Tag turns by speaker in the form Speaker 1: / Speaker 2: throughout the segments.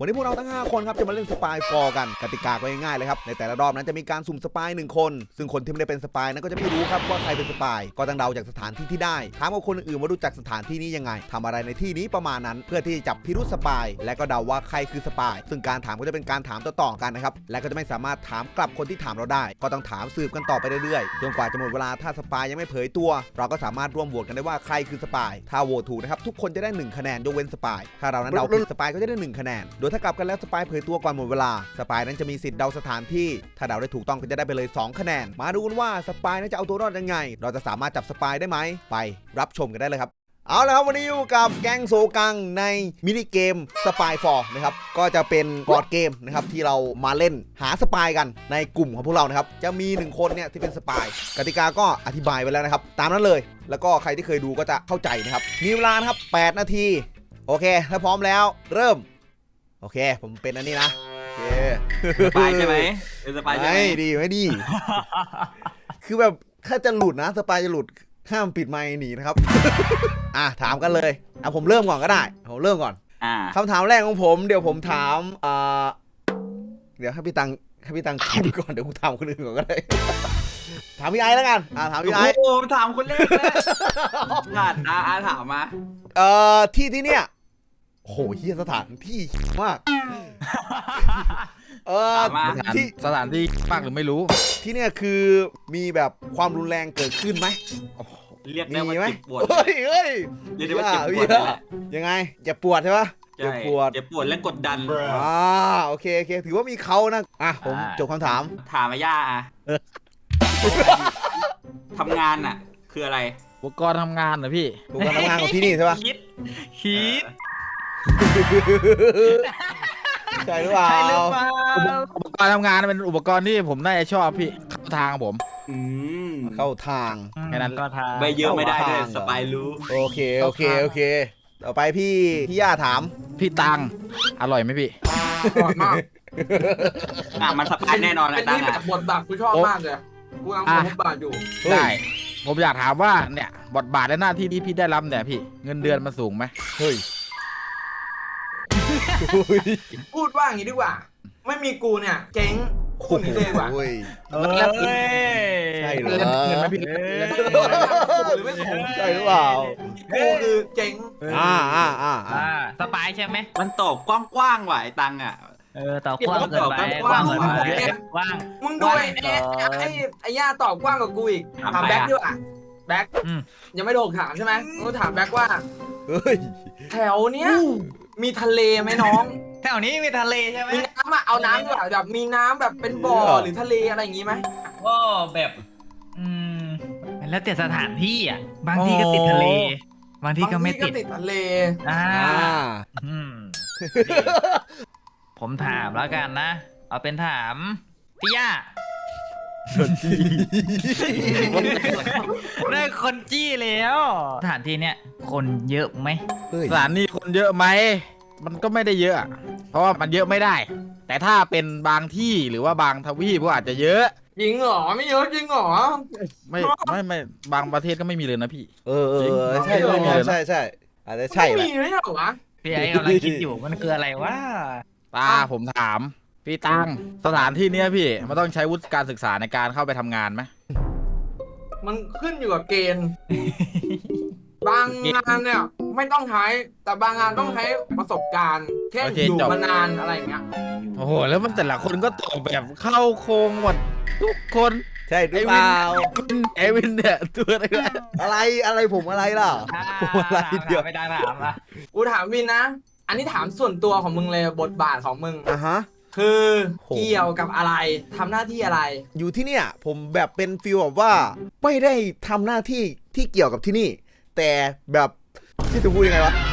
Speaker 1: วันนี้พวกเราทั้ง5คนครับจะมาเล่นสปายฟอร์กันกติกาก็ง่ายๆเลยครับในแต่ละรอบนั้นจะมีการสุ่มสปาย1คนซึ่งคนที่ไม่ได้เป็นสปายนั้นก็จะไม่รู้ครับว่าใครเป็นสปายก็ต้องเดาจากสถานที่ที่ได้ถามกับคนอื่นว่ารู้จักสถานที่นี้ยังไงทำอะไรในที่นี้ประมาณนั้นเพื่อที่จะจับพิรุธสปายและก็เดาว่าใครคือสปายซึ่งการถามก็จะเป็นการถามต่อๆกันนะครับและก็จะไม่สามารถถามกลับคนที่ถามเราได้ก็ต้องถามสืบกันต่อไปเรื่อยๆจนกว่าจะหมดเวลาถ้าสปายยังไม่เผยตัวเราก็สามารถร่วมโหวตกันได้ว่าใครคือสปายถ้าโหวตถูกนะครับทุกคนจะได้1คะแนนยกเว้นสปายถ้าเรานั้นเดาผิดสปายก็จะได้1คะแนนโดยถ้ากลับกันแล้วสปายเผยตัวก่อนหมดเวลาสปายนั้นจะมีสิทธิ์เดาสถานที่ถ้าเดาได้ถูกต้องก็จะได้ไปเลย2คะแนนมาดูกันว่าสปายนั้นจะเอาตัวรอดยังไงเราจะสามารถจับสปายได้ไหมไปรับชมกันได้เลยครับเอาละครับวันนี้อยู่กับแก๊งโซกังในมินิเกมสปายฟอร์นะครับก็จะเป็นบอร์ดเกมนะครับที่เรามาเล่นหาสปายกันในกลุ่มของพวกเรานะครับจะมี1คนเนี่ยที่เป็นสปายกติกาก็อธิบายไว้แล้วนะครับตามนั้นเลยแล้วก็ใครที่เคยดูก็จะเข้าใจนะครับมีเวลานะครับ8นาทีโอเคถ้าพร้อมแล้วเริ่มโอเคผมเป็นอันนี้นะโอเค
Speaker 2: สปายใช่ไหมเป็นสปายใช่ไหม
Speaker 1: ไม่ดีไม่ดี คือแบบถ้าจะหลุดนะสปายจะหลุดห้ามปิดไมค์หนีนะครับ ถามกันเลยผมเริ่มก่อนก็ได้ผมเริ่มก่อนคำถามแรกของผมเดี๋ยวผมถามเดี๋ยวให้พี่ตังคิดก่อนเดี๋ยวผมถามคนอื่นก่อนก็ได้ ถามพี่ไอแล้วกันถามพี่ไอ
Speaker 2: โอ้ถามคนแรกเลยถามมา
Speaker 1: ที่เนี่ยโหเฮียสถานที่มาก
Speaker 3: ที่สถานที่มากหรือไม่รู้
Speaker 1: ที่เนี่ยคือมีแบบความรุนแรงเกิดขึ้นไหม
Speaker 2: เรียกได้ว่าเจ็บปวด
Speaker 1: เฮ้ย
Speaker 2: เรียกได้ว่าเจ็บปวด
Speaker 1: ยังไงเจ็บปวดใช่ปะ
Speaker 2: เจ็บปวดและกดดัน
Speaker 1: โอเคถือว่ามีเขานะผมจบคำถาม
Speaker 2: มาย่าทำงานคืออะไร
Speaker 3: อุปกรณ์ทำงานเหรอพี่
Speaker 1: อุปกรณ์ทำงานของที่นี่ใช่ปะ
Speaker 3: คิด
Speaker 1: ใช่หรือเปล่า
Speaker 3: อุปกรณ์ทำงานเป็นอุปกรณ์ที่ผมน่าจะชอบพี่เข้าทางผม
Speaker 1: เข้าทาง
Speaker 3: แค่นั้นก็ทาง
Speaker 2: ไม่เยอะไม่ได้ด้วยสปายรู้
Speaker 1: โอเคต่อไปพี่ย่าถาม
Speaker 3: พี่ตังอร่อยไหมพี่
Speaker 4: อร่อยมาก
Speaker 2: มันสปายแน่นอน
Speaker 4: เป็นที่แบบบทบาทกูชอบมากเลยกูกำลังบทบาทอยู่
Speaker 3: ได้ผมอยากถามว่าเนี่ยบทบาทและหน้าที่ที่พี่ได้รับเนี่ยพี่เงินเดือนมันสูงไหม
Speaker 1: เฮ้ย
Speaker 4: พูดว่าอย่างนี้ดีกว่าไม่มีกูเนี่ยเจ๊งคุณนี่เลยว่ะ
Speaker 1: ใช่หรือ
Speaker 3: เงินไหมพี่
Speaker 1: ใช่หรือเปล่า
Speaker 4: กูคือเจ๊ง
Speaker 5: สปายใช่ไหม
Speaker 2: มันตอบกว้างๆว่ะไอ้ตัง
Speaker 5: ตอบกว้างเกินไปกว้าง
Speaker 4: มึงด้วยไอ้ย่าตอบกว้างกว่ากูอีกถามแบ็คด้วยแบ็คยังไม่โดนถามใช่ไหมกูถามแบ็คว่าแถวเนี้ยมีทะเลไหมน้อง
Speaker 5: แถวนี้มีทะเลใช่ไหม
Speaker 4: มีน้ำเอาน้ำด้วยแบบมีน้ำแบบเป็นบ่อหรือทะเลอะไรอย่างงี้ไหม
Speaker 5: ก็แบบแล้วแต่สถานที่บางที่ก็ติดทะเลบางที่ก็ไม่ติด
Speaker 4: ทะเล
Speaker 5: ผมถามแล้วกันนะเอาเป็นถามพี่ย่าได้คนจี้แล้วสถานที่เนี้ยคนเยอะไหม
Speaker 3: สถานที่คนเยอะไหมมันก็ไม่ได้เยอะเพราะว่ามันเยอะไม่ได้แต่ถ้าเป็นบางที่หรือว่าบางทวีปก็อาจจะเยอะ
Speaker 4: จริงเหรอไม่เยอะจริงเหรอ
Speaker 3: ไม่บางประเทศก็ไม่มีเลยนะพี่
Speaker 1: ใช่อาจจะใช่
Speaker 4: ไม่มีเลยเหรอวะ
Speaker 5: พี่ไอ้กำลังคิดอยู่มันคืออะไรวะ
Speaker 3: ผมถามพี่ตังสถานที่เนี้ยพี่มันต้องใช้วุฒิการศึกษาในการเข้าไปทำงานไหม
Speaker 4: มันขึ้นอยู่กับเกณฑ์บางงานเนี่ยไม่ต้องใช้แต่บางงานต้องใช้ประสบการณ์แค่อยู่มานานอะไรอย่างเงี้ย
Speaker 3: โอ้โหแล้วมันแต่ละคนก็ตอบแบบเข้าโครงหมดทุกคน
Speaker 1: ใช่หรือเปล่า
Speaker 3: เอวินเนี่ยตัว
Speaker 1: อะไรผมอะไรล่ะผมอะไรเดียว
Speaker 5: ไม่ได้ถามละ
Speaker 4: กูถามวินนะอันนี้ถามส่วนตัวของมึงเลยบทบาทของมึงคือเกี่ยวกับอะไรทำหน้าที่อะไร
Speaker 1: อยู่ที่เนี่ยผมแบบเป็นฟีลแบบว่าไม่ได้ทำหน้าที่ที่เกี่ยวกับที่นี่แต่แบบที่จะพูดยังไงวะ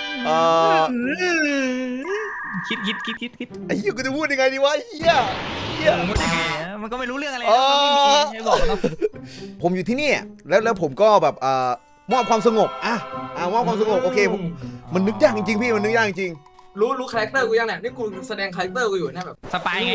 Speaker 5: คิด
Speaker 1: ไอ้เหี้ยกูจะพูดยังไงดีวะเหี้ย
Speaker 5: มันก็ไม่รู้เรื่องอะไรไม่บอกนะ
Speaker 1: ผมอยู่ที่นี่แล้วผมก็แบบมอบความสงบมอบความสงบโอเคมันนึกยากจริงๆพี่มันนึกยากจริง
Speaker 4: รู้คาแรคเตอร์กูยังเนี่ยนี่กูแสดงคาแรคเตอร์กูอยู่เนี่ยแบบ
Speaker 5: สปายไง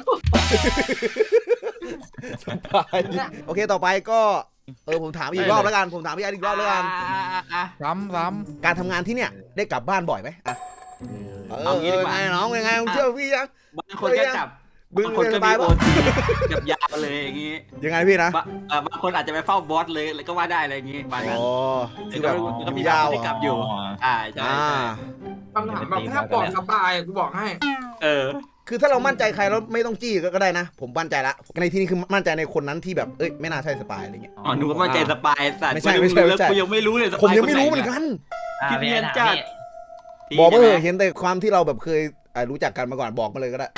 Speaker 1: สปายโอเคต่อไปก็ผมถามอีกรอบแล้วกันผมถามพี่ไออีกรอบแล้วกัน
Speaker 3: ซ้ำ
Speaker 1: การทำงานที่เนี่ยได้กลับบ้านบ่อยไหม
Speaker 2: เอางี้ดีกว่า
Speaker 1: ไงน้องยังไงมึงเชื่อพี่ยัง
Speaker 2: บางคนก็จับ
Speaker 1: บึ้ง
Speaker 2: บางคน
Speaker 1: ส
Speaker 2: ก็
Speaker 1: บา
Speaker 2: มี
Speaker 1: ย
Speaker 2: โอ
Speaker 1: ปะ
Speaker 2: ทีกับยาวเลยอย่างงี้
Speaker 1: ยังไงพี่นะ
Speaker 2: บางคนอาจจะไปเฝ้าบอสเลยก็ว่าได้อะไรอย่างงี้บางนั้น
Speaker 1: อ๋อคือแบบ
Speaker 2: ก็มี
Speaker 1: ยาว
Speaker 2: ที่กลับอยู่ใช่
Speaker 1: อ่า
Speaker 4: คำถามแบบถ้าปลอดสบายกูบอกให้
Speaker 2: เออ
Speaker 1: คือถ้าเรามั่นใจใครแล้วไม่ต้องจี้ก็ได้นะ ผมมั่นใจละในที่นี้คือมั่นใจในคนนั้นที่แบบเอ้ยไม่น่าใช่สปายอะไรเงี้ย
Speaker 2: อ๋อหนูก็มาใจสปายสัตว์
Speaker 1: ไม่ใช่ไม่ใช่
Speaker 2: แล้วกูยังไม่รู้เลยสปาย
Speaker 1: ผมยังไม่รู้เหมือนกัน
Speaker 2: พี่เนียนจัด
Speaker 1: บอกมาเลยเห็นแต่ความที่เราแบบเคยรู้จักกันมาก่อนบอกมาเลยก็ได้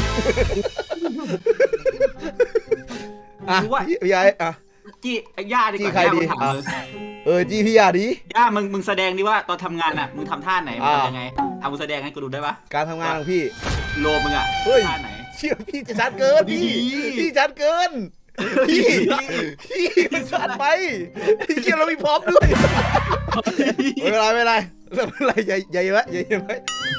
Speaker 1: อ่ะพี่ยายอ่ะ
Speaker 2: จี้ย่าดีก
Speaker 1: จี้
Speaker 2: ว่า
Speaker 1: ใครดี
Speaker 2: ย่ามึงถามเลย
Speaker 1: จี้พี่ยาดี
Speaker 2: ย่ามึงแสดงดิว่าตอนทำงานอ่ะมึงทำท่าไหนมึง
Speaker 1: อ่า
Speaker 2: ทำยังไงเอามึงแสดงให้กูดูได้ปะ
Speaker 1: การทำงานของพี่
Speaker 2: โลมึงอ่ะ
Speaker 1: เฮ้ย
Speaker 2: ท่าไหน
Speaker 1: เชื่อพี่จะชัดเกินพี่ชัดเกินพี่มันชัดไปเชื่อเรามีพร้อมด้วยไม่เป็นไรไม่เป็นไรใหญ่ไว้ใหญ่ไว้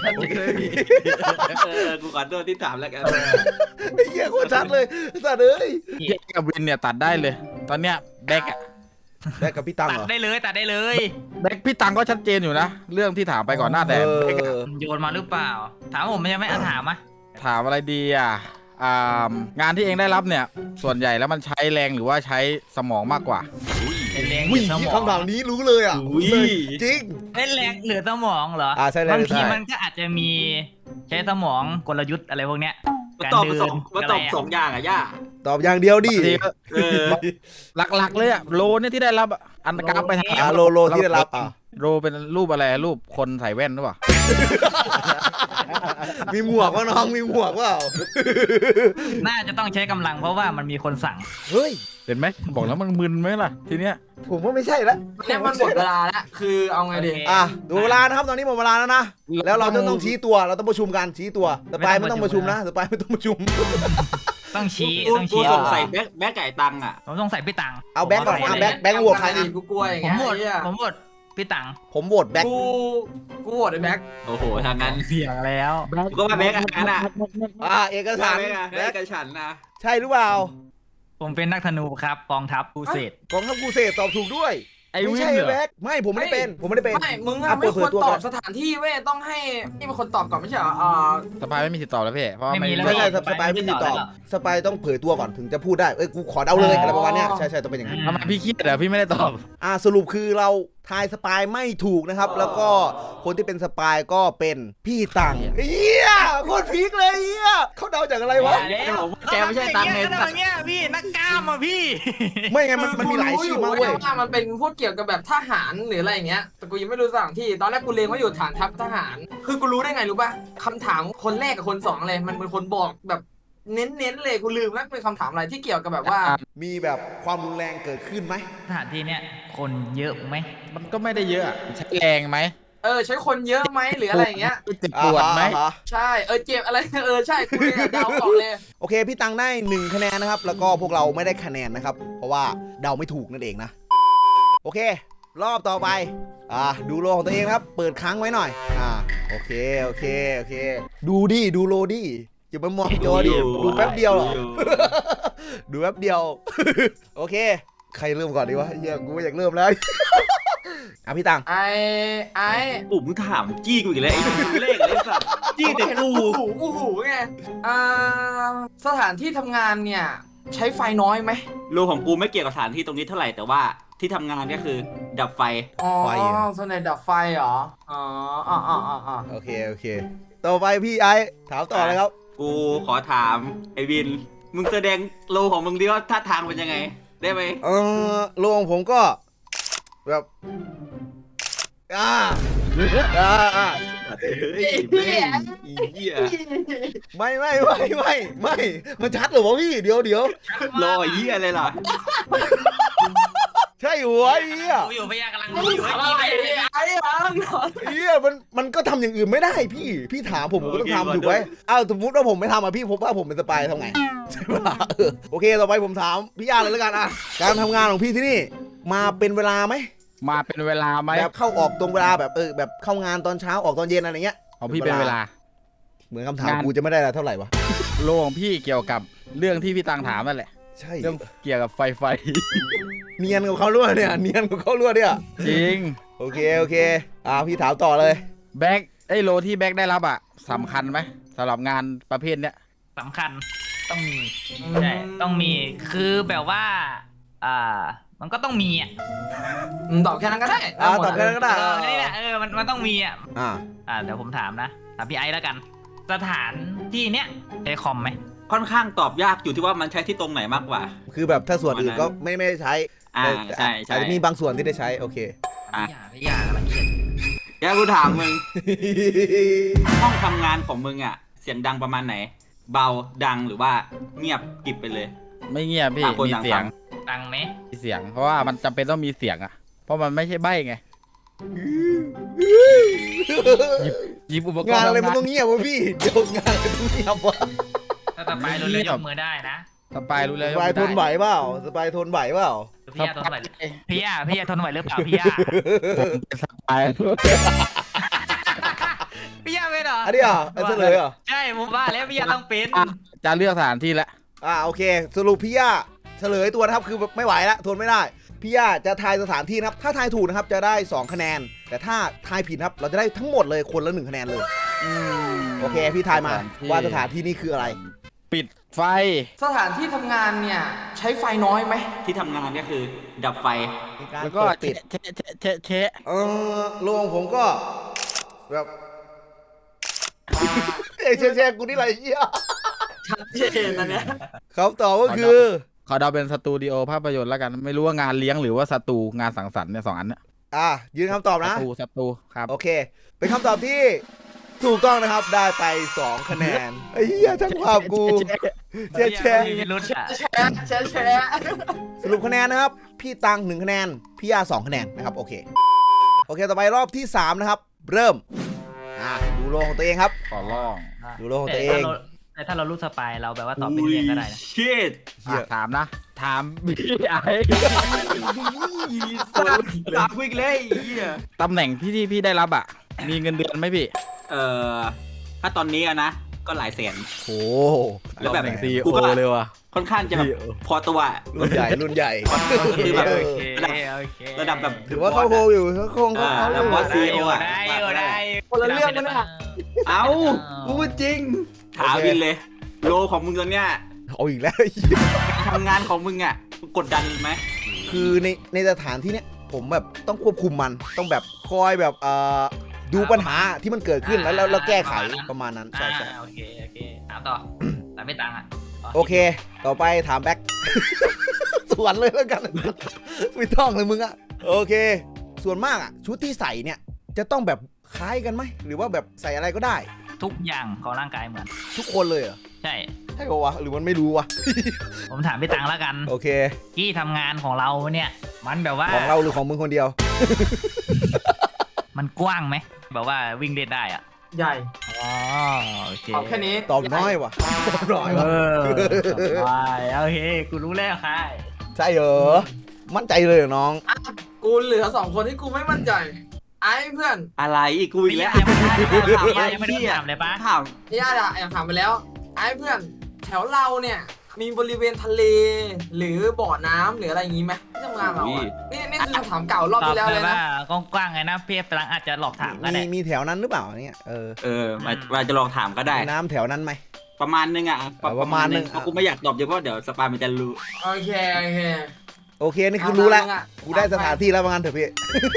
Speaker 2: กูขอโทษที่ถามแล้วกัน
Speaker 1: ไอ้เหี้ยโคตรชัดเลยสัตว์เอ้ย
Speaker 3: แยกกับวินเนี่ยตัดได้เลย ตอนเนี้ยแบ็กอะ
Speaker 1: ได้กับพี่ตัง
Speaker 5: ตั
Speaker 1: เห
Speaker 5: ด
Speaker 1: รอ
Speaker 5: ได้เลยตัดได้เลย
Speaker 3: แบ็กพี่ตังก็ชัดเจนอยู่นะ เรื่องที่ถามไปก่อนหน้าแต่แบ็กอะ
Speaker 5: โยนมาหรือเปล่า ถามผมมันยังไม่ถามอ่ะ
Speaker 3: ถามอะไรดีอ่ะงานที่เองได้รับเนี่ย ส่วนใหญ่แล้วมันใช้แรงหรือว่าใช้สมองมากกว่า
Speaker 5: เป็นแรง
Speaker 1: วิ่ง
Speaker 5: สมอง
Speaker 1: คำถามนี้รู้เลยอ่ะ
Speaker 2: อุ้ย
Speaker 1: จริง
Speaker 5: เป็นแรงเหลือสมองเหรอ
Speaker 1: ใช่เลย
Speaker 5: บางที
Speaker 1: ใช่
Speaker 5: มันก็อาจจะมีใช้สมองกลยุทธ์อะไรพวกเนี้ย
Speaker 2: มาตอบสองอย่างอ่ะย่า
Speaker 1: ตอบอย่างเดียวดิ
Speaker 3: บางทีก็
Speaker 2: เออ
Speaker 3: หลักๆเลยอะโลเนี่ยที่ได้รับอะอันกราฟไปถาม
Speaker 1: โลที่ได้รับ
Speaker 3: โลเป็นรูปอะไรรูปคนใส่แว่นหรือเปล่า
Speaker 1: มีหมวกว่าน้องมีหมวกว่า
Speaker 5: น่าจะต้องใช้กำลังเพราะว่ามันมีคนสั่ง
Speaker 1: เฮ้ย
Speaker 3: เห็นไหมบอกแล้วมันมึนไหมล่ะทีเนี้ย
Speaker 1: ผมว่าไม่ใช่แล้ว
Speaker 4: เนี่ยมันหมดเวลาแล้วคือเอาไงดี
Speaker 1: ดูเวลานะครับตอนนี้หมดเวลาแล้วนะแล้วเราต้องชี้ตัวเราต้องประชุมกันชี้ตัวสปายไม่ต้องประชุมนะสปายไม่ต้องประชุม
Speaker 5: ต้องชี้
Speaker 2: กูสงสัยแบ็คไก่ตังอ่ะ
Speaker 5: ผมต้องใส่พี่ตัง
Speaker 1: เอาแบงค์ก่อนแบงค์โหวตใครนะ
Speaker 4: กูกลัวอย่าง
Speaker 5: ผม
Speaker 4: เงี้ย
Speaker 5: โหวต
Speaker 4: ไอ้เหี้ย
Speaker 5: ผมโหวตพี่ตัง
Speaker 1: ผมโหวตแบงค์
Speaker 4: กูโหวตไอ้แบ็ค
Speaker 2: โอ้โหทางนั้น
Speaker 5: เสียงแล้ว
Speaker 2: กูก็ว่าแบ็คอันนั้นอ่ะ
Speaker 1: เอกสาร
Speaker 2: แบ็คกันฉันนะ
Speaker 1: ใช่หรือเปล่า
Speaker 5: ผมเป็นนักธนูครับกองทัพกูเศษ
Speaker 1: กองทัพกูเสพตอบถูกด้วย
Speaker 3: ไอ้
Speaker 1: ไม่
Speaker 3: วิน
Speaker 1: ใช่
Speaker 3: เหรอ
Speaker 1: แบงค์ไม่ผมไม่ได้เป็นผมไม่ได้เป็น
Speaker 4: ไม่มึงอะไม่ควรตอบสถานที่เว้ยต้องให้นี่เป็นคนตอบก่อนไม่ใช่เหรอ
Speaker 3: สปายไม่มีสิทธิ์ตอบแล้วพี่เพราะว่า
Speaker 5: ไม่มีแล้ว
Speaker 1: ไม่ใช่สปายไม่ติดต่อสปายต้องเผยตัวก่อนถึงจะพูดได้กูขอเดาเลยอะไรประมาณเนี้ยใช่ต้องเป็นอย่างนั้น
Speaker 3: ทำไมพี่เครียดเหรอพี่ไม่ได้ตอบ
Speaker 1: สรุปคือเราทายสปายไม่ถูกนะครับ แล้วก็คนที่เป็นสปายก็เป็นพี่ตังเฮียโคตรพีคเลยเฮียเขาเดาจากอะไรวะ
Speaker 2: แกไม่ใช่ตังไง
Speaker 5: ก็อย่างเงี้ยพี่นักกล้ามอ่ะพี่
Speaker 1: ไม่ไงมันมีหลายชื่อมากเว้ย
Speaker 4: ว่ามันเป็นพวกเกี่ยวกับแบบทหารหรืออะไรอย่างเงี้ยแต่กูยังไม่รู้สถานที่ตอนแรกกูเรียนว่าอยู่ฐานทัพทหาร คือกูรู้ได้ไงรู้ป่ะคำถามคนแรกกับคนสองเลยมันเป็นคนบอกแบบเน้นเลยกูลืมแล้วเป็นคำถามอะไรที่เกี่ยวกับแบบว่า
Speaker 1: มีแบบความรุนแรงเกิดขึ้นไหม
Speaker 5: สถานที่เนี้ยคนเยอะไหม
Speaker 3: มันก็ไม่ได้เยอะอะใช้แรงไหม
Speaker 4: ใช้คนเยอะไหมหรืออะไรอย่างเงี้ย
Speaker 3: เจ็บปวดไหม
Speaker 4: ใช่เจ็บอะไรใช่กูเลยเดาออกเลย
Speaker 1: โอเคพี่ตังได้1คะแนนนะครับแล้วก็พวกเราไม่ได้คะแนนนะครับเพราะว่าเดาไม่ถูกนั่นเองนะโอเค รอบต่อไปดูโลของตัวเองนะครับเปิดค้างไว้หน่อยโอเคดูโลดิอย่ามามองจอดิดูแป๊บเดียวหรอดูแป๊บเดียวโอเคใครเริ่มก่อนดีวะเฮียกูไม่อยากเริ่มแล้วพี่ตัง
Speaker 4: ไอ้
Speaker 2: ปู่มึงถามจี้กูอีกแล้วไอ้เลขอะไรสัตว์จี้แต่กู
Speaker 4: อู้หูไงสถานที่ทำงานเนี่ยใช้ไฟน้อยไหม
Speaker 2: โลของกูไม่เกี่ยวกับสถานที่ตรงนี้เท่าไหร่แต่ว่าที่ทำงานก็คือดับไฟ
Speaker 4: ส่วนไหนดับไฟเหรอ
Speaker 1: โอเคต่อไปพี่ไอถามต่อเลยครับ
Speaker 2: กูขอถามไอ้วินมึงแสดงโลของมึงดิว่าท่าทางเป็นยังไงได้ไหม
Speaker 1: โลของผมก็แบบ
Speaker 2: เฮ้ย
Speaker 1: ไม่มันชัดเหรอวะพี่เดี๋ยว
Speaker 2: โลเหี้ยอะไรล่ะ
Speaker 1: ใช่หัวเฮีย
Speaker 5: อยู่พยากำลัง
Speaker 4: มึง
Speaker 5: อยู่
Speaker 4: ถามอะไรเนี่ยไอ้บ้าง
Speaker 1: เฮียมันก็ทำอย่างอื่นไม่ได้พี่ถามผมก็ต้องทำถูกไหมสมมติว่าผมไม่ทำพี่ผมว่าผมเป็นสปายทำไงใช่ปะโอเคต่อไปผมถามพี่ย่าเลยแล้วกันการทำงานของพี่ที่นี่มาเป็นเวลาไหม
Speaker 3: มาเป็นเวลาไหม
Speaker 1: แบบเข้าออกตรงเวลาแบบแบบเข้างานตอนเช้าออกตอนเย็นอะไรเงี้ย
Speaker 3: ของพี่เป็นเวลา
Speaker 1: เหมือนคำถามกูจะไม่ได้เท่าไหร่วะ
Speaker 3: โลของพี่เกี่ยวกับเรื่องที่พี่ตังถามนั่นแหละ
Speaker 1: ใช่
Speaker 3: เรื่องเกี่ยวกับไฟ
Speaker 1: เนียนกับเขาล้วนเนี่ย
Speaker 3: จริง
Speaker 1: โอเคพี่ถามต่อเลย
Speaker 3: แบ็กไอ้โลที่แบ็คได้รับอ่ะสำคัญไหมสำหรับงานประเภทเนี้ย
Speaker 5: สำคัญต้องมีใช่ต้องมีคือแบบว่ามันก็ต้องมีอ่ะ
Speaker 4: ตอบแค่นั้นก็ได้
Speaker 1: ตอบแค่นั้นก็ได้
Speaker 5: นี่แหละมันต้องมีอ่ะ
Speaker 1: อ่า
Speaker 5: เดี๋ยวผมถามนะถามพี่ไอซ์แล้วกัน สถานที่เนี้ยใช้คอมไหม
Speaker 2: ค่อนข้างตอบยากอยู่ที่ว่ามันใช้ที่ตรงไหนมากกว่า
Speaker 1: คือแบบถ้าส่วนอื่นก็ไม่ได้ใช้
Speaker 2: ใช่ใช่
Speaker 1: อาจจะมีบางส่วนที่ได้ใช้โอเค
Speaker 5: พี่ยาอะไรเงี้ย
Speaker 2: แกกูถามมึง ห้องทำงานของมึงอ่ะ เสียงดังประมาณไหน เบาดังหรือว่าเงียบกริบไปเลย
Speaker 3: ไม่เงียบพี่
Speaker 2: ต่างคน
Speaker 3: มี
Speaker 2: ต่าง
Speaker 3: เสีย
Speaker 2: ฟั
Speaker 3: ง
Speaker 2: ง
Speaker 5: ดังไหม
Speaker 3: มีเสียง เพราะว่ามันจำเป็นต้องมีเสียงอ่ะ เพราะมันไม่ใช่ใบ้ไงหยิบอุปกรณ์
Speaker 1: งานอะไรมัน
Speaker 3: ทำ
Speaker 1: ต้องเงียบวะพี่เดี๋ยวงานอะไรต้องเงียบวะ
Speaker 5: ถ้าต่อไปเราเล่นยกมือได้นะ
Speaker 3: สปายรู้เลย
Speaker 1: สบายทนไหวเปล่าสบายทนไหวเปล่า
Speaker 5: พี่ยาทนไหวพี่ยาทนไหวหรือเปล่าพี่ยา
Speaker 3: ผมเป็นสปาย
Speaker 5: พี่ยาเป็นเหรอ
Speaker 1: อันนี้อ่ะเฉลยเหรอ
Speaker 5: ใช่ผมว่าแล้วพี่ยาต้องเป็น
Speaker 3: จะเลือกสถานที่แล้ว
Speaker 1: โอเค สรุปพี่ย่าเฉลยตัวนะครับคือไม่ไหวแล้วทนไม่ได้พี่ย่าจะทายสถานที่นะครับถ้าทายถูกนะครับจะได้2คะแนนแต่ถ้าทายผิดครับเราจะได้ทั้งหมดเลยคนละ1คะแนนเลยโอเคพี่ทายมาว่าสถานที่นี่คืออะไร
Speaker 3: ปิดไฟ
Speaker 4: สถานที่ทำงานเนี่ยใช้ไฟน้อยไหม
Speaker 2: ที่ทำงานก็คือดับไฟ
Speaker 3: แล้วก็
Speaker 1: ปิด
Speaker 3: เชะ
Speaker 1: โรงผมก็แบบเชกูนี่อะไรเหี้ย
Speaker 4: ชัดเจนนะเนี่ย
Speaker 1: คำตอบก็คือ
Speaker 3: ขอเดาเป็นสตูดิโอภาพยนตร์แล้วกัน ไม่รู้ว่างานเลี้ยงหรือว่าสตูงานสังสรรค์เนี่ย2 อันเนี่ย
Speaker 1: ยืนคำตอบนะ
Speaker 3: สตูครับ
Speaker 1: โอเค เป็นคำตอบที่ถูกต้องนะครับได้ไป2คะแนนไอ้เหี้ยช่างภาพกูแชร์
Speaker 5: พี่รุ่นอ่ะ
Speaker 4: แชร์
Speaker 1: สรุปคะแนนนะครับ พี่ตัง1คะแนนพี่ย่า2คะแนนนะครับโอเคต่อไปรอบที่3นะครับเริ่มดูโลของตัวเองครับ
Speaker 3: ขอร้อง
Speaker 1: ดูโลของตัวเอง
Speaker 5: แต่ถ้าเรารู้สปายเราแบบว่าตอบเป็นเรียงก็ได้นะ
Speaker 2: ชิด
Speaker 3: ถามนะ ถามพี่ไอ
Speaker 2: ตามวิ่งเลยไอ้เหี้ย
Speaker 3: ตำแหน่งที่พี่ได้รับอ่ะ มีเงินเดือนไหมพี่
Speaker 2: ถ้าตอนนี้อะนะก็หลายแสน
Speaker 1: โอ้
Speaker 2: แล้วแบบ
Speaker 3: ซี
Speaker 2: กูก็
Speaker 3: เลยว่ะ
Speaker 2: ค่อนข้างจะแบบพอตัว
Speaker 1: รุ่นใหญ่
Speaker 2: ก็คือแบบ
Speaker 5: โอเค
Speaker 2: ระดับแบบ
Speaker 1: ถือว่าเข้าโฮอยู่เขาคงเขา
Speaker 2: แล้วบอสซีโออะ
Speaker 5: ได้
Speaker 4: คนละเรื่องกันนะ
Speaker 2: เอ้ากูพูดจริงถามวินเลย โลของมึงตอนเนี้ย
Speaker 1: เอาอีกแล้ว
Speaker 2: ทำงานของมึงอ่ะกดดันไหม
Speaker 1: คือในสถานที่เนี้ยผมแบบต้องควบคุมมันต้องแบบคอยแบบดูปัญหาที่มันเกิดขึ้นแล้วแก้ไขประมาณนั้นใช่
Speaker 5: โอเคถามต่อแต่ไม่ตังค์อ่ะ
Speaker 1: โอเค ต่อไปถามแบ็ค สวนเลยแล้วกัน ไม่ต้องเลยมึงอะโอเค ส่วนมากอะชุดที่ใส่เนี่ยจะต้องแบบคล้ายกันไหมหรือว่าแบบใส่อะไรก็ได้
Speaker 5: ทุกอย่างของร่างกายเหมือน
Speaker 1: ทุกคนเลยเหรอ
Speaker 5: ใช่
Speaker 1: ใช่ปะวะหรือมันไม่รู้วะ
Speaker 5: ผมถามพี่ตังค์แล้วกัน
Speaker 1: โอเค
Speaker 5: ที่ทำงานของเราเนี่ย มันแบบว่า
Speaker 1: ของเราหรือของมึงคนเดียว
Speaker 5: มันกว้างไหมแบบว่าวิ่งเล่นได้อ่ะ
Speaker 4: ใหญ่
Speaker 5: อ๋อโอเค
Speaker 4: ตอบแค่นี้
Speaker 1: ตอบน้อยวะตอบน้อยวะ
Speaker 5: โอเคกูรู้แล้วค่ะ
Speaker 1: ใช่เหรอมั่นใจเลยเหรอน้อง
Speaker 4: กูเหลือ2 คนที่กูไม่มั่นใจ ไอ้เพื่อน
Speaker 2: อะไรอีกกูอีกแล้ว
Speaker 5: ยังไม่ได้ถามเลยปะ
Speaker 2: ถาม
Speaker 4: ย่าด่าอยากถามไปแล้ว ไอ้เพื่อนแถวเราเนี่ยมีบริเวณทะเล หรือบ่อน้ำหรืออะไรอย่างงี้ไหมที่ทำงานเราอะนี่คือคำถามเก่ารอบ
Speaker 5: ตอบ
Speaker 4: ที่แล้ว
Speaker 5: เล
Speaker 4: เลย ย
Speaker 5: ว่า
Speaker 4: นะ
Speaker 5: กว้างๆไงนะพี่ตังค์อาจจะหลอกถามก็ได้
Speaker 1: มีแถวนั้นหรือเปล่าเนี่ย
Speaker 2: เราจะลองถามก็ได้
Speaker 1: มีน้ำแถวนั้นไหม
Speaker 2: ประมาณนึงอ่ะ
Speaker 1: ประมาณนึง
Speaker 2: เพราะกูไม่อยากตอบเยอะเพราะเดี๋ยวสปายมันจะรู้
Speaker 4: โอเค
Speaker 1: โอเคนี่คือรู้แล้วกูได้สถานที่แล้วว่างั้นเถอะพี่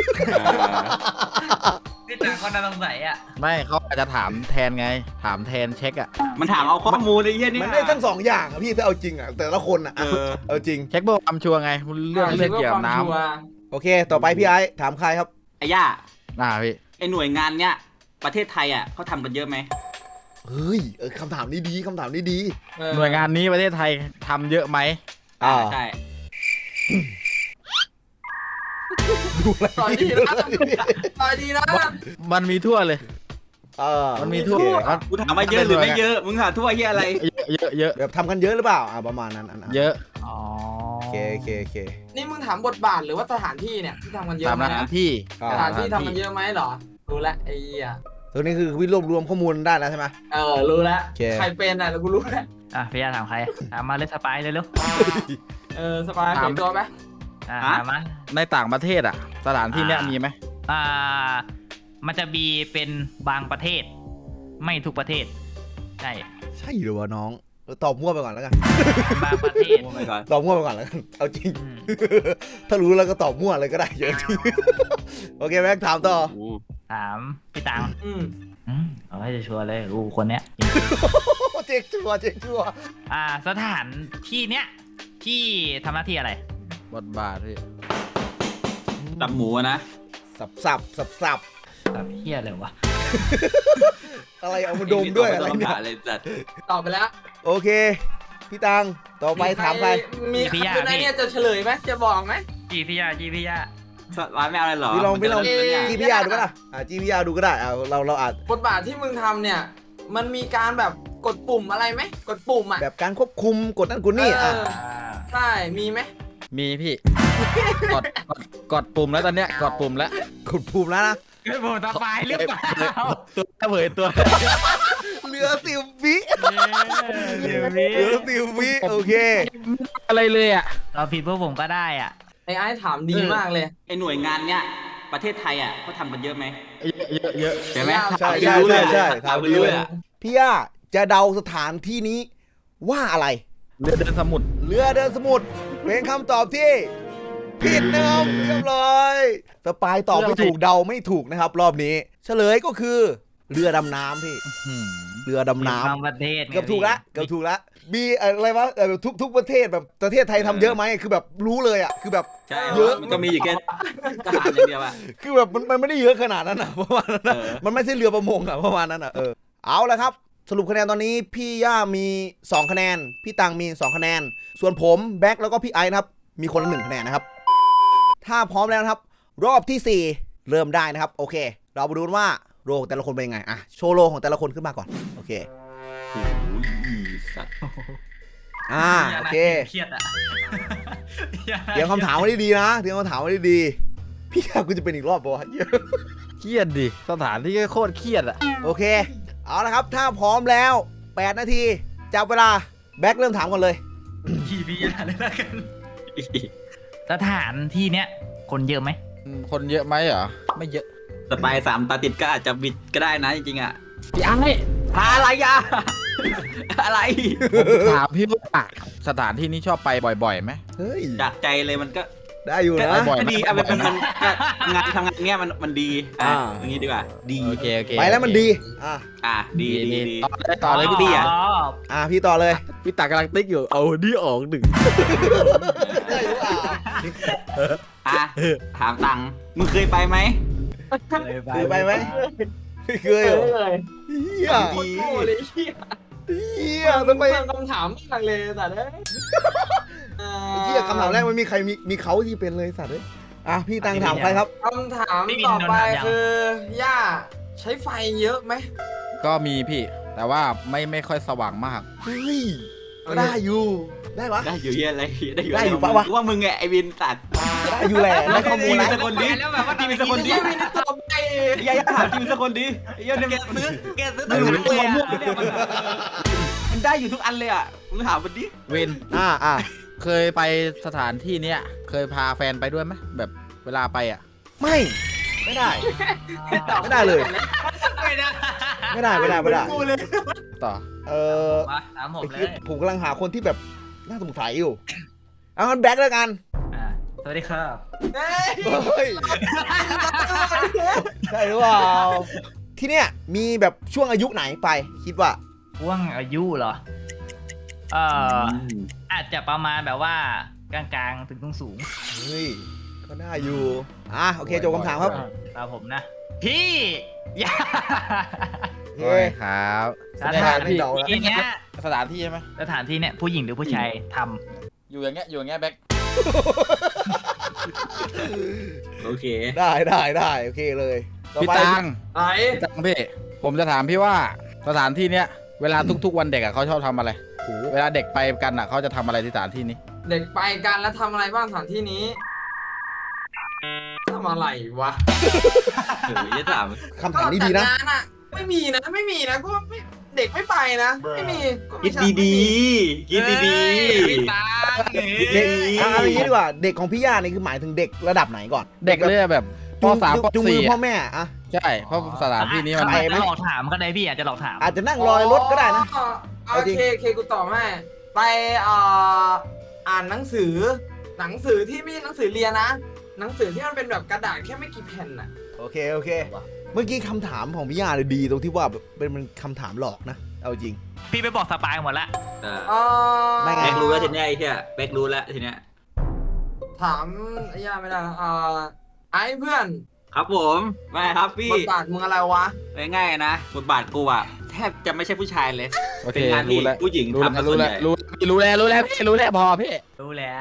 Speaker 5: พี่ตังค์ก็น่าสงสัยอ่ะ
Speaker 3: ไม่เขาอาจจะถามแทนไง ถามแทนเช็คอะ
Speaker 2: มันถามเอาข้อมูลไอ้เหี้ยนี่
Speaker 1: มันได้ทั้ง2อย่างอะพี่ถ้าเอาจริงอะแต่ละคนอะเอาจริง
Speaker 3: เช็คเบอร์ความชัวร์ไง เรื่องเกี่ยวกับน้
Speaker 1: โอเค ต่อไปพี่ไอ้ถามใครครับ
Speaker 2: ไอ้ย่า
Speaker 3: ำพี่
Speaker 2: ไอ้หน่วยงานเนี้ยประเทศไทยอ่ะเขาทำกันเยอะไหม
Speaker 1: เฮ้ยคำถามนี้ดีคำถามนี้ดี
Speaker 3: หน่วยงานนี้ประเทศไทยทำเยอะไหม
Speaker 2: ใช่
Speaker 1: ดูอะไร
Speaker 4: ต่อยดีนะต่อยดีนะ
Speaker 3: มันมีทั่วเลย มันมีทั่ว
Speaker 2: กูถามว่าเยอะหรือไม่เยอะมึงถามทั่วเหี้ยอะไร
Speaker 3: เยอะ
Speaker 1: แบบทำกันเยอะหรือเปล่าประมาณนั้น
Speaker 3: เยอะ
Speaker 5: อ๋อ
Speaker 1: โอเค
Speaker 4: นี่มึงถามบทบาทหรือว่าสถานที่เนี่ยที่ทำกันเยอะ
Speaker 3: ตาม
Speaker 4: ไหม
Speaker 3: สถานที่
Speaker 4: สถานที่ทำกันเยอะไหมเหรอรู้แล้วไอ้เหี้ย
Speaker 1: ตัวนี้คือวิรวบรวมข้อมูลได้แล้วใช่ไหม
Speaker 4: รู้แล้ว
Speaker 1: โอเค
Speaker 4: ใครเป็นอ่ะแล้วกูรู้แล้ว
Speaker 5: พี่ยาถามใครถามมาเลยสปายเลยลูก
Speaker 4: สบายเปลี่ยนตัวไหม
Speaker 5: ถามมา
Speaker 3: ในต่างประเทศอะสถานที่เนี้ยมีไหม
Speaker 5: มันจะมีเป็นบางประเทศ ไม่ทุกประเทศใช่
Speaker 1: ใช่หรือวะน้องตอบมั่วไปก่อนแล้วกัน
Speaker 5: บางประเทศ
Speaker 2: โอ้ my god
Speaker 1: ตอบมั่วไปก่อนแล้วกันเอาจริง
Speaker 5: อืม
Speaker 1: ถ้ารู้แล้วก็ตอบมั่วเลยก็ได้เยอะจริง โอเคแม็กถามต่อ
Speaker 5: ถามพี่ตัง
Speaker 4: อืม
Speaker 5: เอาให้ชัวร์เลยกูคนเนี้ย
Speaker 1: เจ๊กชัวร์เจ๊กชัวร์
Speaker 5: สถานที่เนี้ยที่ทำหน้าที่อะไร
Speaker 3: บทบาทพี่
Speaker 2: ตับหมูอะนะ
Speaker 1: สับ
Speaker 5: แบบเฮียเลยวะ
Speaker 1: อะไรเอามาดมด้วยอะไรเนี่ย
Speaker 2: เลยจัด
Speaker 4: ตอบไปแล้ว
Speaker 1: โอเค พี่ตังต่อไปถามใคร
Speaker 4: มีใครคนไหนเนี่ยจะเฉลยไหมจะบอกไหม
Speaker 5: จีพี่ยา
Speaker 2: ร้านไม่เอาอะไรหรอ
Speaker 1: พี่ลอง
Speaker 2: มันจะเล่นเนี่ย
Speaker 1: จีพี่ยาดูก็ได้จีพี่ยาดูก็ได้เราอาจ
Speaker 4: บทบาทที่มึงทำเนี่ย มันมีการแบบกดปุ่มอะไรไหมกดปุ่มอ่ะ
Speaker 1: แบบการควบคุมกดนั่นกดนี่อ่ะ
Speaker 4: ใช่มีไหม
Speaker 3: มีพี่ กดปุ่มแล้วตอนเนี้ยกดปุ่มแล้ว
Speaker 1: กดปุ่มแล้วนะ
Speaker 5: เฮ้ยผมตาปลายหรือเปล่า
Speaker 3: ตัวเผยตัว
Speaker 1: เหลือ10 วิ
Speaker 5: เดี๋ยว
Speaker 1: เห
Speaker 5: นี้
Speaker 1: ลือ10 วิโอเค
Speaker 3: อะไรเลยอ่ะ
Speaker 5: เราผิดพวกผมก็ได้อ่ะ
Speaker 4: ไอ้ถามดีมากเลย
Speaker 2: ไอหน่วยงานเนี้ยประเทศไทยอ่ะเขาทำกันเยอะไหม
Speaker 3: เยอะ
Speaker 2: ใช่ไหม
Speaker 1: ใช่
Speaker 2: ถามไปรู้เลย
Speaker 1: ใช่
Speaker 2: ถามไป
Speaker 1: ถามไปรู้
Speaker 2: รู้
Speaker 1: เล
Speaker 2: เลย ยอะ
Speaker 1: พี่ย่าจะเดาสถานที่นี้ว่าอะไร
Speaker 3: เรือเดินสมุทร
Speaker 1: เรือเดินสมุทรเป็นคำตอบที่ผิดนะครับเรียบร้อยสปายตอบไม่ถูกเดาไม่ถูกนะครับ รอบนี้ เฉลยก็คือเรือดำน้ำพี่ เรือดำน้
Speaker 5: บางประเทศ
Speaker 1: ำเกือบถูกละเกือบถูกละมีอะไรวะทุกประเทศแบบประเทศไทยทำเยอะไหมคือแบบรู้เลยอ่ะคือแบบ
Speaker 2: ใช่
Speaker 1: เยอะ
Speaker 2: มันก็มีอยู่แค่ทหารอย่างเดียวอะ
Speaker 1: คือแบบมันไม่ได้เยอะขนาดนั้นอ่ะประมาณนั้นอะ
Speaker 2: เออ
Speaker 1: มันไม่ใช่เรือประมงอ่ะประมาณนั้นอ่ะเอาละครับ สรุปคะแนนตอนนี้พี่ย่ามี2คะแนนพี่ตังมี2คะแนนส่วนผมแบ็คแล้วก็พี่ไอซ์นะครับมีคนละ1คะแนนนะครับถ้าพร้อมแล้วนะครับ รอบที่4เริ่มได้นะครับโอเค เรามาดูกันว่าโลของแต่ละคนเป็นยังไงโชว์โลของแต่ละคนขึ้นมาก่อนโอเค
Speaker 2: โอ้ยสัตว์
Speaker 1: โอเค
Speaker 5: เครียดอ่ะ
Speaker 1: เตรียมคำถามไว้ดีๆนะเตรียมคำถามไว้ดีๆพี่ย่ากูจะเป็นอีกรอบปะวะ
Speaker 3: เครียดดิสถานที่ก็โคตรเครียดอ่ะ
Speaker 1: โอเคเอาละครับถ้าพร้อมแล้ว8 นาทีจับเวลาแบ็คเริ่มถามก่อนเลย
Speaker 5: ขี่พี่ยาเลยละกันสถานที่เนี้ยคนเยอะไหม
Speaker 3: คนเยอะไหมเหรอไม่เยอะ
Speaker 2: สปาย3 ตาติดก็อาจจะบิดก็ได้นะจริงๆอ่ะ
Speaker 3: พี่ไอ้
Speaker 2: อะไรอะอะไร
Speaker 3: ถามพี่ว่าสถานที่นี้ชอบไปบ่อยๆไหม
Speaker 1: เฮ้ย
Speaker 2: จากใจเลยมันก็
Speaker 1: ได้อยู่นะ
Speaker 3: บ่อย
Speaker 2: ก็
Speaker 3: ไหม
Speaker 2: ดีเอาเป็นมันทำงานเนี้ยมันดีอย่างนี้ดีกว่าดี
Speaker 3: โอเคโอเค
Speaker 1: ไปแล้วมันดี
Speaker 2: ดี
Speaker 3: ดี
Speaker 2: ดี
Speaker 3: ต่อเลยพี่
Speaker 2: ดี
Speaker 3: ตี
Speaker 2: อะ
Speaker 1: พี่ต่อเลย
Speaker 3: พี่ตากำลังติ๊กอยู่เอานี่ออกหนึ่ง
Speaker 1: ได้หรือเปล่า
Speaker 2: ถามตังค์มึงเคยไปไหม
Speaker 1: เคยไปไหมไม่เคยเหรอเฮีย
Speaker 4: โคตรโง่เลยเฮีย
Speaker 1: ทำไม
Speaker 4: คำถามมากเลยแต่เนี่ย
Speaker 1: เฮียคำถามแรกมันมีใครมีเขาที่เป็นเลยสัตว์เลยพี่ตังถามใครครับ
Speaker 4: คำถามต่อไปคือย่าใช้ไฟเยอะไหม
Speaker 3: ก็มีพี่ แต่ว่าไม่ค่อยสว่างมาก
Speaker 1: เฮ้ยได้อยู่ได้ปะ
Speaker 2: ได้อยู่เฮียอะไรได้อยู่
Speaker 1: ได้อยู่ปะวะ
Speaker 2: ว่ามึงไงไอวินตัด
Speaker 1: ได้อยู่แหละได้ข้อมูล
Speaker 2: แล้
Speaker 1: แล้ว ว
Speaker 2: คนดี
Speaker 5: แล้วแบบว่า
Speaker 2: ทีมีสักคนดี
Speaker 4: ไม่ได้ตอบไป
Speaker 2: อย่าถามทีมีสักคนดีอย่าเนี่ยแกซื้อตัวมันได้อยู่ทุกอันเลยอ่ะมึงถามมันดิ
Speaker 3: เวน เคยไปสถานที่เนี้ยเคยพาแฟนไปด้วยไหมแบบเวลาไปอ่ะ
Speaker 1: ไม่ได้ไม่ได้เลย
Speaker 5: ไม่ได้
Speaker 1: ไม่ได้
Speaker 3: ต่อ
Speaker 5: มาถามผมเลย
Speaker 1: ผมกำลังหาคนที่แบบน่าสงสัยอยู่เอางั้นแบ็คแล้วกัน
Speaker 5: สวัสดีครับ
Speaker 1: เฮ้ยใช่หรือเปล่าที่เนี้ยมีแบบช่วงอายุไหนไปคิดว่า
Speaker 5: ว่างอายุเหรออาจจะประมาณแบบว่ากลางๆถึงสูง
Speaker 1: เฮ้ยก็ได้อยู่โอเคจบคำถามครับ
Speaker 5: ตามผมนะ พี่อย่า
Speaker 1: เฮ้ย
Speaker 3: ครับ
Speaker 5: สถานที่เนี้ย
Speaker 3: สถานที่ใช่ไหม
Speaker 5: สถานที่เนี้ยผู้หญิงหรือผู้ชายท
Speaker 3: อยู่อย่างเงี้ยแบ็ค
Speaker 2: โอเค
Speaker 1: ได้โอเคเลยต่อ
Speaker 3: พี่
Speaker 1: ไป
Speaker 3: ตัง
Speaker 4: ไอ้
Speaker 3: พี่ผมจะถามพี่ว่าสถานที่เนี้ยเวลาทุกๆวันเด็กอะเขาชอบทำอะไร
Speaker 1: โอ้
Speaker 3: เวลาเด็กไปกันอะเขาจะทำอะไรที่สถานที่นี้
Speaker 4: เด็กไปกันแล้วทำอะไรบ้างสถานที่นี้ทำอะไรวะ
Speaker 2: จะถาม
Speaker 1: คำถามนี้ดีนะ
Speaker 4: จังานอะไม่มีนะก็ไม่เด็กไม่ไปนะไม่มีก็
Speaker 2: คิ
Speaker 4: ไม่
Speaker 2: ด
Speaker 4: ใช่
Speaker 2: ดีๆคิดดี
Speaker 5: พี่ตา
Speaker 1: เด็กเอาอย่างนี้ดีกว่าเด็กของพี่ย่านี่คือหมายถึงเด็กระดับไหนก่อน
Speaker 3: เด็กเลยแบบป
Speaker 1: จูง
Speaker 3: สามป
Speaker 1: จูงมื
Speaker 3: สี่
Speaker 1: อพ่อแม่
Speaker 3: ใช่เพราะสถานที่นี้มัน
Speaker 5: อาจจะหลอกถามก็ได้พี่อาจจะหลอกถาม
Speaker 1: อาจจะนั่งรอยรถก็ได้นะ
Speaker 4: อ๋อ
Speaker 1: เอา
Speaker 4: โอ
Speaker 1: จริง
Speaker 4: เคกูตอบให้ไปอ่านหนังสือที่ไม่ใช่หนังสือเรียนนะหนังสือที่มันเป็นแบบกระดาษแค่ไม่กี่แผ่นน่ะ
Speaker 1: โอเคโอเค เมื่อกี้คำถามของพี่ย่าเลยดีตรงที่ว่าแบบเป็นคำถามหลอกนะเอาจริง
Speaker 5: พี่ไปบอกสปายหมดละ
Speaker 1: ไม่ไง
Speaker 2: แบกรู้แล้วทีเนี้ยไอ้เหี้ยแบกรู้แล้วทีเนี้ย
Speaker 4: ถามไอ้ย่าไม่ได้ไอ้เพื่อน
Speaker 2: ครับผมไม่ครับพี่
Speaker 4: บทบาทมึงอะไรวะ
Speaker 2: ง่ายๆนะบทบาทกูอะแทบจะไม่ใช่ผู้ชายเลย
Speaker 3: โอเค
Speaker 2: เป็นงานที่
Speaker 3: รู้แล้ว
Speaker 2: ผู้หญิง
Speaker 3: รู้แล้ว
Speaker 2: ทำซะส่
Speaker 3: รู้
Speaker 2: วน
Speaker 3: แล้ว
Speaker 2: ใหญ่
Speaker 3: รู้แล้วพี่รู้แล้วพอพี่
Speaker 5: รู้แล้ว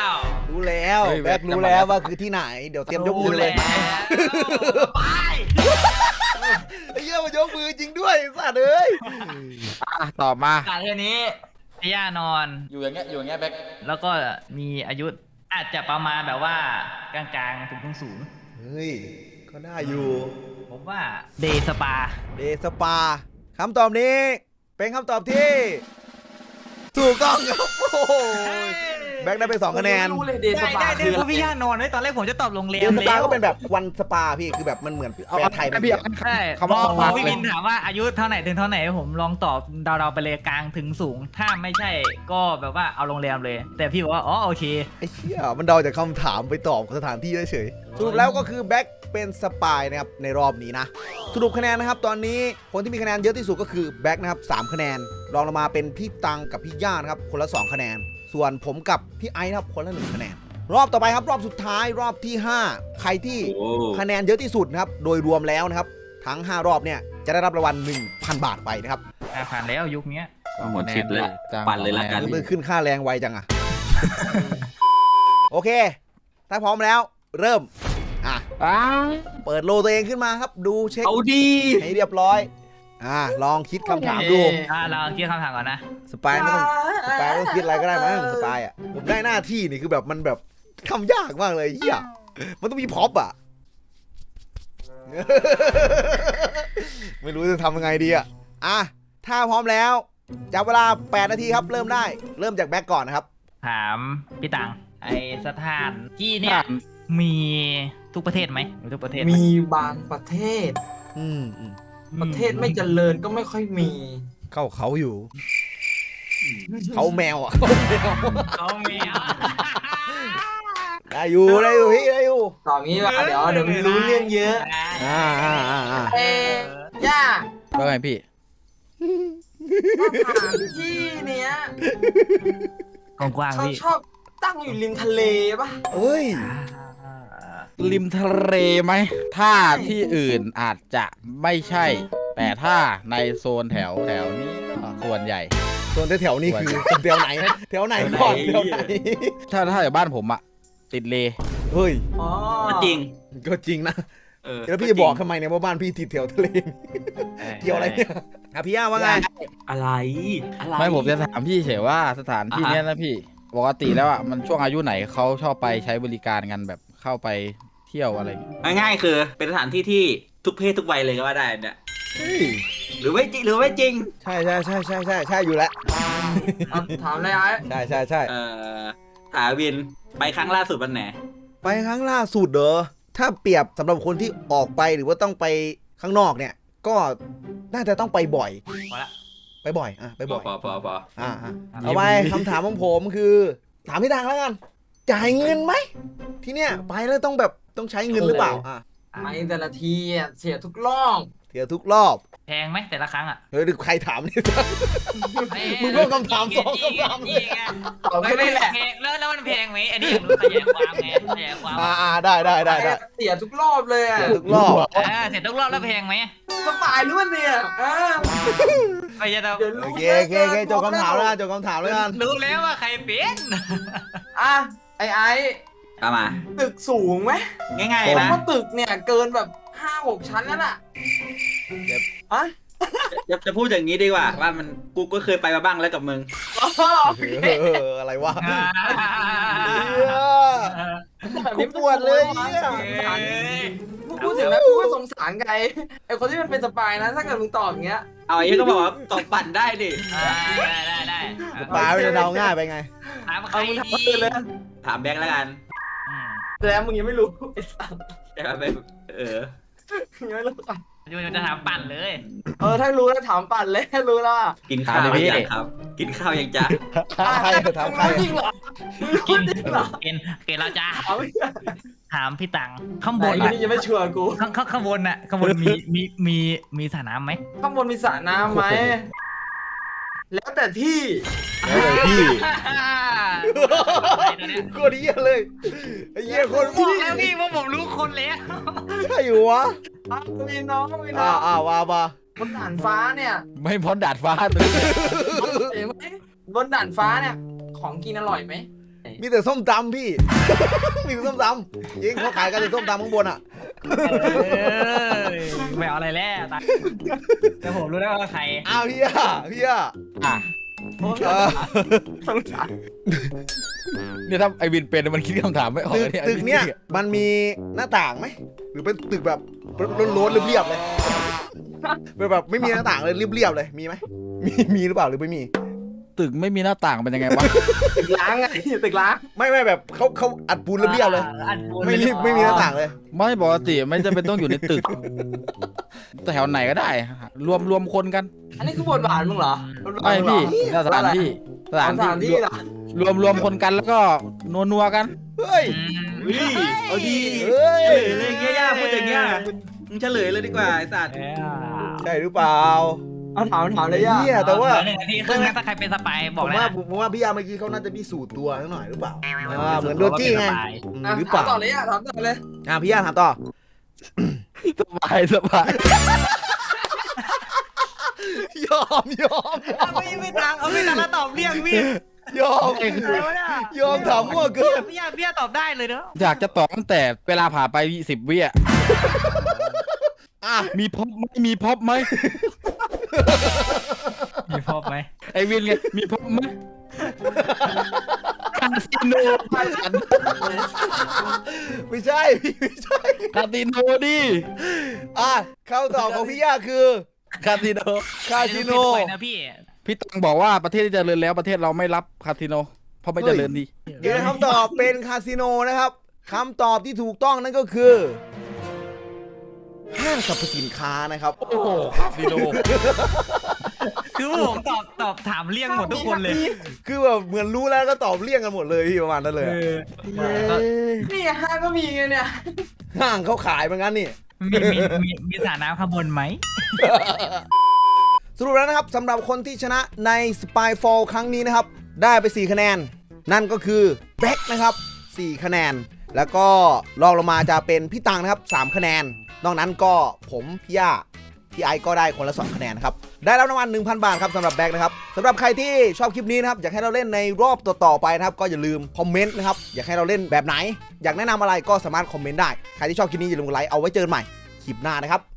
Speaker 1: รู้แล้ว
Speaker 3: เฮ้ย
Speaker 1: แบ็ครู้แล้วว่าคือที่ไหนเดี๋ยวเตรียมยกมือเลย
Speaker 5: ไป
Speaker 1: ไอ้เหี้ยมันยกมือจริงด้วยสัตว์เอ้ย
Speaker 3: ตอบมา
Speaker 5: การเรื่องนี้พี่ย่านอน
Speaker 3: อยู่อย่างเงี้ยแบ็ค
Speaker 5: แล้วก็มีอายุอาจจะประมาณแบบว่ากลางๆถึงสูง
Speaker 1: เฮ้ยก็ได้อยู่
Speaker 5: ๆผมว่าเดย์สปา
Speaker 1: เดสปาคำตอบนี้เป็นคำตอบที่ถูกต้องครับโอ้โหแบ็คได้ไป2คะแนน
Speaker 4: รู้เลยเดย์ส
Speaker 5: ได้
Speaker 4: ปา
Speaker 5: ได้
Speaker 4: คือ
Speaker 5: ได้
Speaker 4: อะไร
Speaker 5: พี่ย่านอนไว้ตอนแรกผมจะตอบโรงแร
Speaker 1: เด
Speaker 5: ม
Speaker 1: ส
Speaker 5: แล้
Speaker 1: ปาว ก็เป็นแบบวันสปาพี่คือแบบมันเหมือนแปลไทยมัน
Speaker 3: พี่
Speaker 1: เดียว
Speaker 5: ใช่
Speaker 3: คำ
Speaker 5: พ
Speaker 3: ว่า
Speaker 5: อ
Speaker 3: มาก
Speaker 5: พี่
Speaker 3: เล
Speaker 5: วิ
Speaker 3: ย
Speaker 5: นถามว่าอายุเท่าไหนถึงเท่าไหนผมลองตอบเดาๆไปเลยกลางถึงสูง ถ้าไม่ใช่ก็แบบว่าเอาโรงแรมเลย แต่พี่บอกว่าอ๋อโอเค
Speaker 1: ไอ้เหี้ยมันเดาจากคำถามไปตอบสถานที่ได้เฉยสรุปแล้วก็คือแบ็คเป็นสปายนะครับในรอบนี้นะสรุปคะแนนนะครับตอนนี้คนที่มีคะแนนเยอะที่สุดก็คือแบ็คนะครับ3คะแนนรองลงมาเป็นพี่ตังกับพี่ย่านะครับคนละ2คะแนนส่วนผมกับพี่ไอซ์นะครับคนละ1คะแนนรอบต่อไปครับรอบสุดท้ายรอบที่ 5 ใครที่
Speaker 2: โอ้
Speaker 1: คะแนนเยอะที่สุดนะครับโดยรวมแล้วนะครับทั้ง5รอบเนี่ยจะได้รับรางวัล 1,000 บาทไปนะครับ
Speaker 5: ผ่านแล้วยุคเนี้ย
Speaker 2: หมดชิดแล้วปั่นเลยละกัน
Speaker 1: มือขึ้นค่าแรงไวจังอะโอเค ถ้าพร้อมแล้วเริ่มอ่ะเปิดโลตัวเองขึ้นมาครับดูเช็ค
Speaker 2: เอาดี
Speaker 1: ให้เรียบร้อยลองคิดคำถามดู
Speaker 5: เราคิดคำถามก่อนนะ
Speaker 1: สปายไม่ต้องคิดอะไรก็ได้มั้งสปายอ่ะผมได้หน้าที่นี่คือแบบมันแบบทำยากมากเลยเฮียมันต้องมีพ็อปอ่ะ ไม่รู้จะทำยังไงดีอ่ะถ้าพร้อมแล้วจับเวลา8นาทีครับเริ่มได้เริ่มจากแบ็กก่อนนะครับ
Speaker 5: ถามพี่ตังไอสถานที่เนี่ยมีทุกประเทศไหมมีทุกประเทศไห
Speaker 4: มีบางประเทศ
Speaker 1: อืม
Speaker 4: ประเทศไม่เจริญก็ไม่ค่อยมี
Speaker 1: เข้าเขาอยู่ เขาแมวอ่ะ
Speaker 5: เขามีอ่ะ
Speaker 1: ได้อยู่พี่ได้อยู่
Speaker 4: ตอบงี้ว่าเดี๋ยวมันรู้เรื่องเยอะ
Speaker 1: อ่า
Speaker 4: ย่า
Speaker 3: ว่าไงพี่
Speaker 4: สถานที่เนี้ย
Speaker 5: กว้าง
Speaker 4: เขา
Speaker 5: ๆพี่
Speaker 4: ชอบตั้งอยู่ริมทะเลป่ะ
Speaker 1: เอ้ย
Speaker 3: ริมทะเลไหมถ้าที่อื่นอาจจะไม่ใช่ แต่ถ้าในโซนแถวนี้ก็ส่วนใหญ่
Speaker 1: ส่วนแถวนี้คือแถวไหนแถวไหนก่อนแถวไหน
Speaker 3: ถ้าอยู่บ้านผมอะติดเล
Speaker 1: เฮ้ย
Speaker 4: อ๋อ
Speaker 2: ก็จริง
Speaker 1: ก็จริงนะ แล้วพี่
Speaker 2: จริ
Speaker 1: จะ
Speaker 2: ง
Speaker 1: บอกทำไมเนี่ยว่าบ้านพี่ติดแถวทะเลเกี่ยวอะไรเนี่ยพี่ย่าว่าไง
Speaker 2: อะไรอะไร
Speaker 3: ไม่ผมจะถามพี่เฉยว่าสถานที่เนี้ยนะพี่ปกติแล้วอะมันช่วงอายุไหนเขาชอบไปใช้บริการกันแบบเข้าไปเที่ยวอะไรอย่างเงี้ย
Speaker 2: ง่ายๆคือเป็นสถานที่ที่ทุกเพศทุกวัยเลยก็ว่าได้เนี่ย
Speaker 1: เฮ้ย
Speaker 2: หรือไม่จริงหรือไม่จริง
Speaker 1: ใช่อยู่แล้ว
Speaker 4: เอาถามเลยไอ้
Speaker 1: ใช่
Speaker 2: ถาวินไปครั้งล่าสุดวันไหน
Speaker 1: ไปครั้งล่าสุดเด้อถ้าเปรียบสำหรับคนที่ออกไปหรือว่าต้องไปข้างนอกเนี่ย ก็น่าจะต้องไปบ่อย
Speaker 5: พอละ
Speaker 1: ไปบ่อยไปบ่อย
Speaker 2: พอ
Speaker 1: เอาไปคำถามของผมคือ ถามพี่ทางแล้วกัน จ่ายเงินไหมที่เนี่ยไปแล้วต้องแบบต้องใช้เงินหรือเปล่า
Speaker 4: ไปแต่ละทีอะเสียทุกรอบ
Speaker 1: เที่ยวทุกรอบ
Speaker 5: แพงไหมแต่ละครั้งอ่ะ
Speaker 1: เฮ้ยใครถามเนี่ย มึงเพิ่มคำถามสองคำถามเลย
Speaker 4: ตอบแค่นี้แหละ
Speaker 5: แล้วมันแพงไหมอันนี้อยากรู้ขยายความไงขยายความ
Speaker 1: ได้
Speaker 4: เสียทุกรอบเลยอะ
Speaker 1: เที่ยวทุกรอบ
Speaker 5: เสร็จทุกรอบแล้วแพงไหม
Speaker 4: สบายรู้เนี่ย
Speaker 5: ไม่ใช่เรา
Speaker 4: เดี๋ยวรู้
Speaker 1: โอเคจบคำถามแล้วจบคำถามแล้วกัน
Speaker 5: รู้แล้วว่าใครเป็น
Speaker 4: อ่ะไอ้
Speaker 2: เอามา
Speaker 4: ตึกสูงไหม
Speaker 2: ง่าย
Speaker 4: ผม
Speaker 2: ๆนะ
Speaker 4: ว่าตึกเนี่ยเกินแบบ5-6 ชั้นแล้วล่ะอ่ะ
Speaker 2: จะพูดอย่างนี้ดีกว่าว่ามันกูก็เคยไปมาบ้างแล้วกับมึง
Speaker 1: อะไรวะ
Speaker 4: แบบ
Speaker 1: กู
Speaker 4: นี้
Speaker 1: ปวดเลยเนี่ย
Speaker 4: พูดถึงนะกูก็สงสารไอ้คนที่มันเป็นสปายนะถ้าเกิดมึงตอบอย่างเงี้ย
Speaker 2: เอาไอ้ก็บอกว่าตอบปั่นได้ดิ
Speaker 5: ได้
Speaker 1: ปลาไม่ได้เดาง่ายไปไง
Speaker 5: ถามใคร
Speaker 4: เอามึง
Speaker 5: ดี
Speaker 4: ทำตื่นเลย
Speaker 2: ถามแบงค์แล้วกัน
Speaker 4: แล้วมึงยังไม่รู้ไอ้สัส
Speaker 2: แต่ว่าไป
Speaker 4: ยังไม่รู้อ่ะ
Speaker 5: ยูจะถามปั่นเลย
Speaker 4: ถ้ารู้แล้วถามปั่นเลยรู้แล้วอ่ะ
Speaker 2: กินข้าวยังครับ กินข้าวยังจ๊ะ
Speaker 1: ถามใครถามใคร
Speaker 4: รู้จริงเหรอรู้
Speaker 5: กิน
Speaker 4: จริงเหรอ
Speaker 5: กินแล้วจ้า
Speaker 4: ถามไม่ได้
Speaker 5: ถามพี่ตังข้างบ
Speaker 4: ไอ้
Speaker 5: น
Speaker 4: นี่ยังไม่ชัวร์กู
Speaker 5: ข้างบนน่ะข้างบนมีสระน้ำไหม
Speaker 4: ข้างบนมีสระน้ำไหมแล้วแต่ที่
Speaker 1: พี่
Speaker 5: อะไรตัวเนี้ย
Speaker 1: โคตรเหี้ยเลยไอ้เหี้ยคน
Speaker 5: บอกแล้วพี่ว่าผมรู้คนแล้ว
Speaker 1: ใช่อยู่วะ
Speaker 4: มีน้องมีน้อง
Speaker 1: ว่ามา
Speaker 4: บนด่านฟ้าเนี่ย
Speaker 3: ไม่พ้นดาดฟ้าตัวนี้
Speaker 4: เห็นไหมบนด่านฟ้าเนี่ย ของกินอร่อยไหม
Speaker 1: มีแต่ส้มตำพี่ มีแต่ส้มตำยิงเขาขายกันแต่ส้มตำข้างบนอ่ะ
Speaker 5: ไม่เอาอะไรแล้วตาแต่ผมรู้แล้วว่าใคร
Speaker 1: อ้าวพี่อ่ะ
Speaker 3: อ่ะ
Speaker 1: เออ
Speaker 4: ต้องถาม
Speaker 3: เนี่ยถ้าไอวินเป็นมันคิดคำถามไม่ออก
Speaker 1: ตึก
Speaker 3: เลย
Speaker 1: ตึกเนี้ยมันมีหน้าต่างไหมหรือเป็นตึกแบบโล้นๆเรียบๆเลยเป็นแบบไม่มีหน้าต่างเลยเรียบๆเลยมีไหมมีหรือเปล่าหรือไม่มี
Speaker 3: ตึกไม่มีหน้าต่างเป็นยังไงวะ
Speaker 4: ตึกล้างไงตึกล้าง
Speaker 1: ไม่แบบเขาอัดปูนเรียบๆเลย
Speaker 5: อันบน
Speaker 1: ไม่มีหน้าต่างเลย
Speaker 3: ไม่ปกติไม่จำเป็นต้องอยู่ในตึกแถวไหนก็ได้ รวมคนกัน
Speaker 4: อันนี้คือบทบาทมึงเหรอ
Speaker 3: ไม่พี่สถานที่
Speaker 4: สถานที่เหรอ
Speaker 3: รวมคนกันแล้วก็นัวกัน
Speaker 1: เฮ้ย
Speaker 2: เอาดี
Speaker 1: เฮ้ย
Speaker 2: เฉลยเลยเงี้ยย่าพูดอย่างเงี้ยมึงเฉลยเลยดีกว่าไอ้สัตว์
Speaker 1: ใช่หรือเปล่า
Speaker 4: เอาถามเลยย่า
Speaker 1: เนี่ยแต่ว่า
Speaker 5: 1 นาทีครึ่งนะถ้าใครเป็นสปายบอกเลยนะ
Speaker 1: ผมว่าพี่ยาเมื่อกี้เขาน่าจะพิสูจน์ตัวหน่อยหรือเปล่าเหมือนโดนจี้ไงหรือเป
Speaker 4: ถาม
Speaker 1: ล่า
Speaker 4: ต่อเลยย่าถามต่อเลย
Speaker 1: พี่ยาถามต่อ
Speaker 3: สบาย
Speaker 1: ยอม
Speaker 5: ไม่ตังเอาไม่ตังแล้วตอบเรียงพี่
Speaker 1: ยอม
Speaker 5: อะไรวะเนี่ย
Speaker 1: ยอมถามมั่วเกิน
Speaker 5: พี่ตอบได้เลยเนอะ
Speaker 3: อยากจะตอบตั้งแต่เวลาผ่านไป10 วิอ่ะ
Speaker 1: อ่ะ
Speaker 3: มีพบไหมมีพบไหม
Speaker 5: มีพบไหม
Speaker 3: ไอวินไงมีพบไหมคาสิโนบ้านฉัน
Speaker 1: ไม่ใช่พี่ไม่ใช่
Speaker 3: คาสิโนดิ
Speaker 1: คำตอบของพี่ยาคือ
Speaker 3: คาสิโน
Speaker 1: คาสิโน
Speaker 5: ไปนะพี่
Speaker 3: พี่ตังบอกว่าประเทศที่เจริญแล้วประเทศเราไม่รับคาสิโนเพราะไม่เจริญดี
Speaker 1: ยืนยันคำตอบเป็นคาสิโนนะครับคำตอบที่ถูกต้องนั่นก็คือห้างสรรพสินค้านะครับ
Speaker 3: โอ้โหคาสิโน
Speaker 5: คือผมตอบถามเรียงหมดทุกคนเลย
Speaker 1: คือแบบเหมือนรู้แล้วก็ตอบเลี่ยงกันหมดเลยพี่ประมาณนั้นเลย
Speaker 4: นี่ห้างก็มีไงเนี่ย
Speaker 1: ห้างเขาขายเหมือนกันนี่
Speaker 5: มีสระน้ำข้างบนไหม
Speaker 1: สรุปแล้วนะครับสำหรับคนที่ชนะใน Spyfall ครั้งนี้นะครับได้ไป4คะแนนนั่นก็คือแบ็คนะครับ4คะแนนแล้วก็รองลงมาจะเป็นพี่ตังนะครับ3คะแนนนอกนั้นก็ผมพี่ย่าพี่ไอก็ได้คนละ2คะแนนครับได้รับรางวัล 1,000 บาทครับสำหรับแบ็คนะครับสำหรับใครที่ชอบคลิปนี้นะครับอยากให้เราเล่นในรอบต่อๆไปนะครับก็อย่าลืมคอมเมนต์นะครับอยากให้เราเล่นแบบไหนอยากแนะนำอะไรก็สามารถคอมเมนต์ได้ใครที่ชอบคลิปนี้อย่าลืมกดไลค์เอาไว้เจอกันใหม่คลิปหน้านะครับ